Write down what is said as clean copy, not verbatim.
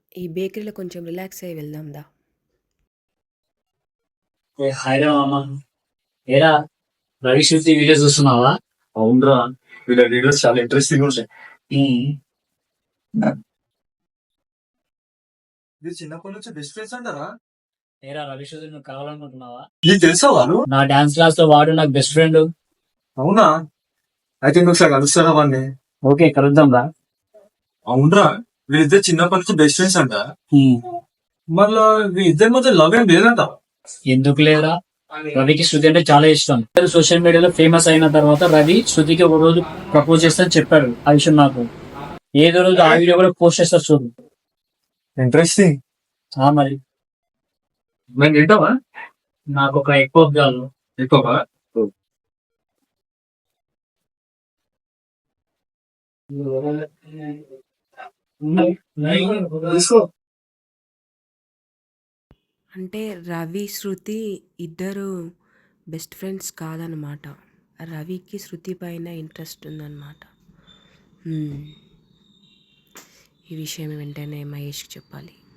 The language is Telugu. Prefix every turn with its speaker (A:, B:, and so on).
A: ఈ బేకరీలో కొంచెం రిలాక్స్ అయ్యి వెళ్దాం దా.
B: హాయ్ రా మామ. ఏరా రవి శృతి వీడియో చూస్తున్నావా?
C: అవునరా, వీళ్ళ వీడియోస్ చాలా ఇంట్రెస్టింగ్ ఉంటాయి. మీరు చిన్నప్పటి నుంచి బెస్ట్ ఫ్రెండ్స్ అంటారా?
B: ఏరా రవి శృతి నువ్వు కావాలనుకుంటున్నావా?
C: నీకు తెలుసా వాళ్ళు?
B: నా డాన్స్ క్లాస్ లో వాడు నాకు బెస్ట్ ఫ్రెండ్.
C: అవునా? అయితే నువ్వు ఒకసారి కలుస్తారా వాడిని?
B: ఓకే కలుద్దాం రా.
C: అవునరా, వీళ్ళిద్దరు చిన్నప్పటి నుంచి బెస్ట్ ఫ్రెండ్స్ అంట. మళ్ళా వీళ్ళిద్దరి మధ్య లవ్ ఏం లేదంట.
B: ఎందుకు లేరా, రవికి శృతి అంటే చాలా ఇష్టం. సోషల్ మీడియాలో ఫేమస్ అయిన తర్వాత రవి శృతికి ఒక రోజు ప్రపోజ్ చేస్తానని చెప్పాడు. ఆ విషయం నాకు ఏదో రోజు ఆ వీడియో కూడా పోస్ట్ చేస్తారు చూడు.
C: ఇంట్రెస్టింగ్.
B: మరి
C: నేను తింటావా?
B: నాకు ఒక ఎక్కువ కాదు.
C: ఎక్కువ తీసుకో.
A: అంటే రవి, శృతి ఇద్దరు బెస్ట్ ఫ్రెండ్స్ కాదనమాట. రవికి శృతి పైన ఇంట్రెస్ట్ ఉందన్నమాట. ఈ విషయం వెంటనే మహేష్కి చెప్పాలి.